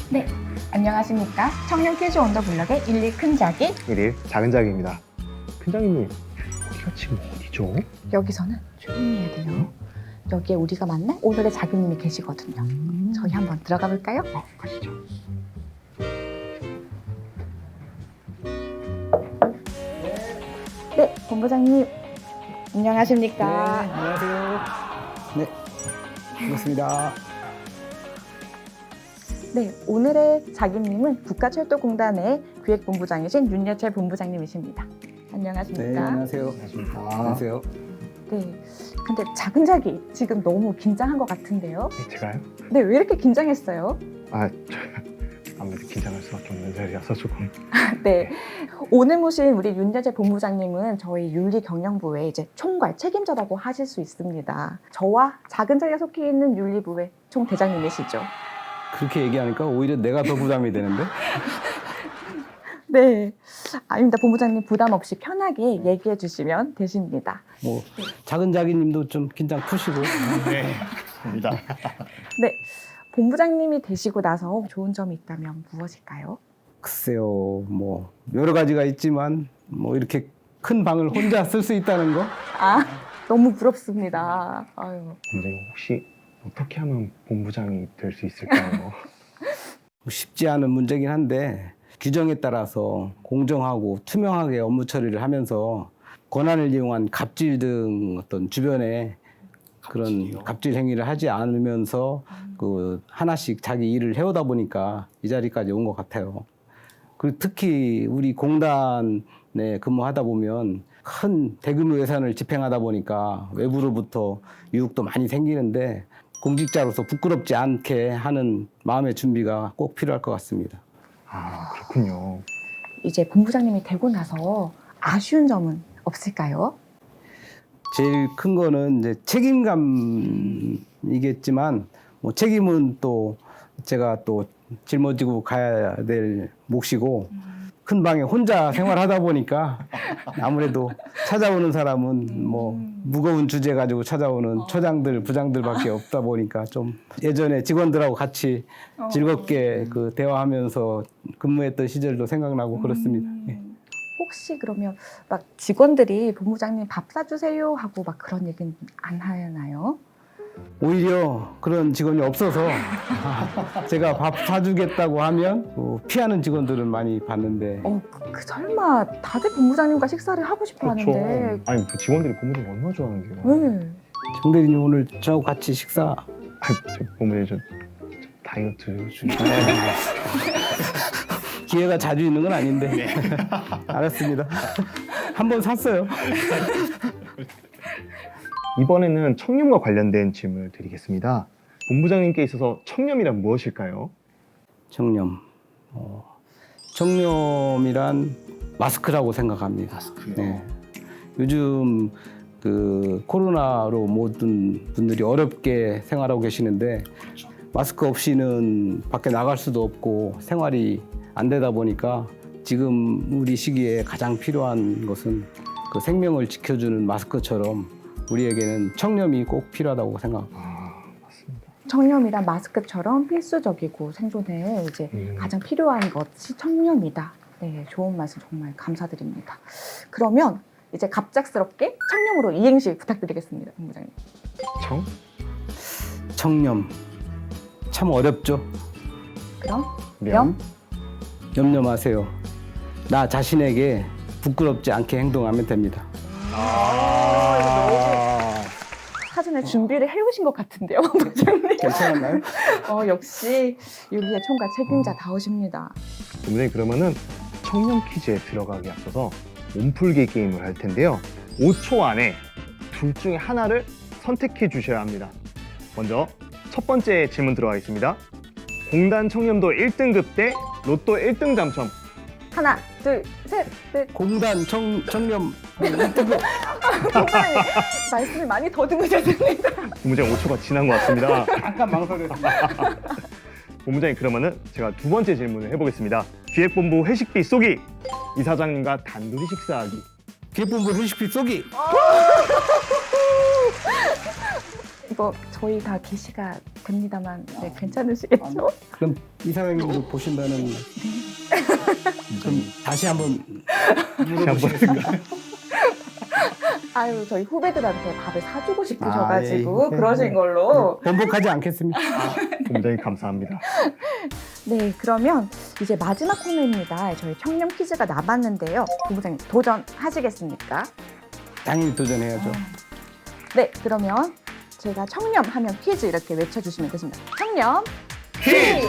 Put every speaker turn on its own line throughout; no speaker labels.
네, 안녕하십니까. 청년 퀴즈 온더 블럭의 1일 큰 자기.
1일 작은 자기입니다. 큰 자기님, 여기가 지금 어디죠?
여기서는 조용히 해야 돼요. 여기에 우리가 만날 오늘의 자기님이 계시거든요. 저희 한번 들어가 볼까요?
가시죠.
네, 본부장님. 안녕하십니까.
안녕하세요. 네, 반갑습니다.
네, 오늘의 자기님은 국가철도공단의 기획본부장이신 윤여철 본부장님이십니다. 안녕하십니까.
네, 안녕하세요. 안녕하세요.
네, 근데 작은 자기 지금 너무 긴장한 것 같은데요.
네, 제가요?
네, 왜 이렇게 긴장했어요?
아무래도 긴장할 수밖에 없는 자리라서 조금.
네, 오늘 모신 우리 윤여철 본부장님은 저희 윤리경영부의 이제 총괄 책임자라고 하실 수 있습니다. 저와 작은 자기가 속해 있는 윤리부의 총대장님이시죠.
그렇게 얘기하니까 오히려 내가 더 부담이 되는데?
네, 아닙니다. 본부장님 부담 없이 편하게 얘기해 주시면 되십니다.
뭐 작은 자기님도 좀 긴장 푸시고.
네, 입니다.
네, 본부장님이 되시고 나서 좋은 점이 있다면 무엇일까요?
글쎄요, 뭐 여러 가지가 있지만 뭐 이렇게 큰 방을 혼자 쓸 수 있다는 거?
아, 너무 부럽습니다. 아유.
본부장님 혹시 어떻게 하면 본부장이 될 수 있을까요?
쉽지 않은 문제긴 한데 규정에 따라서 공정하고 투명하게 업무 처리를 하면서 권한을 이용한 갑질 등 어떤 주변에 그런 갑질 행위를 하지 않으면서 그 하나씩 자기 일을 해오다 보니까 이 자리까지 온 것 같아요. 그리고 특히 우리 공단에 근무하다 보면 큰 대규모 예산을 집행하다 보니까 외부로부터 유혹도 많이 생기는데 공직자로서 부끄럽지 않게 하는 마음의 준비가 꼭 필요할 것 같습니다.
아, 그렇군요.
이제 본부장님이 되고 나서 아쉬운 점은 없을까요?
제일 큰 거는 이제 책임감이겠지만 뭐 책임은 또 제가 또 짊어지고 가야 될 몫이고 큰 방에 혼자 생활하다 보니까 아무래도 찾아오는 사람은 뭐 무거운 주제 가지고 찾아오는 처장들, 부장들밖에 없다 보니까 좀 예전에 직원들하고 같이 즐겁게 그 대화하면서 근무했던 시절도 생각나고 그렇습니다. 예.
혹시 그러면 막 직원들이 본부장님 밥 사주세요 하고 막 그런 얘기는 안 하나요?
오히려 그런 직원이 없어서 제가 밥 사주겠다고 하면 피하는 직원들은 많이 봤는데
설마 다들 본부장님과 식사를 하고 싶어 하는데.
아니, 그 직원들이 본부장님 얼마나 좋아하는데요?
네.
정 대리님 오늘 저하고 같이 식사
본부장님 저 다이어트 중에.
기회가 자주 있는 건 아닌데 알았습니다. 한번 샀어요.
이번에는 청렴과 관련된 질문을 드리겠습니다. 본부장님께 있어서 청렴이란 무엇일까요?
청렴. 청렴이란 마스크라고 생각합니다.
마스크요?
네. 요즘 그 코로나로 모든 분들이 어렵게 생활하고 계시는데 마스크 없이는 밖에 나갈 수도 없고 생활이 안 되다 보니까 지금 우리 시기에 가장 필요한 것은 그 생명을 지켜주는 마스크처럼 우리에게는 청렴이 꼭 필요하다고 생각합니다.
아, 맞습니다.
청렴이란 마스크처럼 필수적이고 생존에 이제 가장 필요한 것이 청렴이다. 네, 좋은 말씀 정말 감사드립니다. 그러면 이제 갑작스럽게 청렴으로 이행시 부탁드리겠습니다, 본부장님.
청렴 참 어렵죠.
그럼
명.
염려 마세요. 나 자신에게 부끄럽지 않게 행동하면 됩니다.
사전에 준비를 해오신 것 같은데요, 본부장님.
괜찮았나요?
역시 윤리의 총괄 책임자다우십니다.
본부장님 그러면은 청렴 퀴즈에 들어가기 앞서서 몸풀기 게임을 할 텐데요. 5초 안에 둘 중에 하나를 선택해 주셔야 합니다. 먼저 첫 번째 질문 들어가겠습니다. 공단 청렴도 1등급 대 로또 1등 당첨.
하나, 둘, 셋, 넷.
공단 청렴
본부장님 말씀을 많이 더듬으셨습니다.
본부장님 5초가 지난 것 같습니다.
잠깐 망설였습니다.
본부장님 그러면은 제가 두 번째 질문을 해보겠습니다. 기획본부 회식비 쏘기, 이사장님과 단둘이 식사하기.
기획본부 회식비 쏘기.
이거 저희 다 게시가 됩니다만 네, 괜찮으시겠죠?
그럼 이사장님도 보신다는 그럼 다시 한번 물어보시겠습까요?
아유 저희 후배들한테 밥을 사주고 싶으셔가지고
예.
그러신 걸로.
번복하지 않겠습니다.
굉장히 감사합니다.
네, 그러면 이제 마지막 코너입니다. 저희 청렴 퀴즈가 남았는데요. 본부장님 도전하시겠습니까?
당연히 도전해야죠.
네, 그러면 제가 청렴하면 퀴즈 이렇게 외쳐주시면 되십니다. 청렴
퀴즈!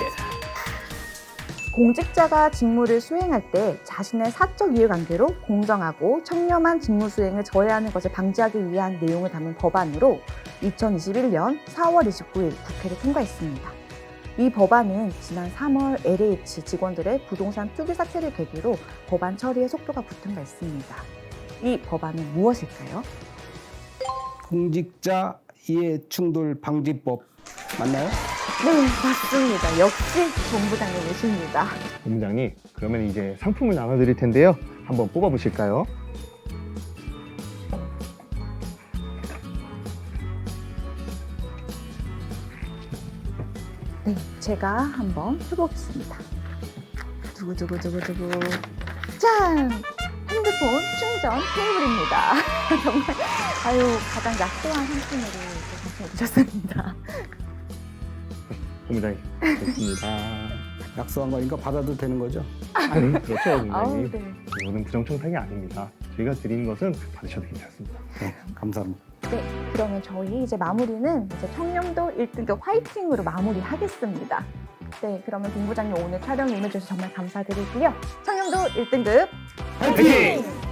공직자가 직무를 수행할 때 자신의 사적 이해관계로 공정하고 청렴한 직무 수행을 저해하는 것을 방지하기 위한 내용을 담은 법안으로 2021년 4월 29일 국회를 통과했습니다. 이 법안은 지난 3월 LH 직원들의 부동산 투기 사태를 계기로 법안 처리에 속도가 붙은 바 있습니다. 이 법안은 무엇일까요?
공직자 이해충돌 방지법 맞나요?
네, 맞습니다. 역시 본부장님이십니다.
본부장님, 그러면 이제 상품을 나눠드릴 텐데요. 한번 뽑아보실까요?
네, 제가 한번 해보겠습니다. 두구두구두구두구. 짠! 핸드폰 충전 케이블입니다. 정말 가장 약소한 상품으로 당첨해 주셨습니다.
본부장님, 됐습니다.
약속한 거니까 받아도 되는 거죠?
아니, 그렇죠,
아우,
본부장님.
네.
이거는 부정청탁이 아닙니다. 저희가 드린 것은 받으셔도 괜찮습니다.
네, 감사합니다.
네, 그러면 저희 이제 마무리는 이제 청렴도 1등급 화이팅으로 마무리하겠습니다. 네, 그러면 본부장님 오늘 촬영에 임해주셔서 정말 감사드리고요. 청렴도 1등급
화이팅!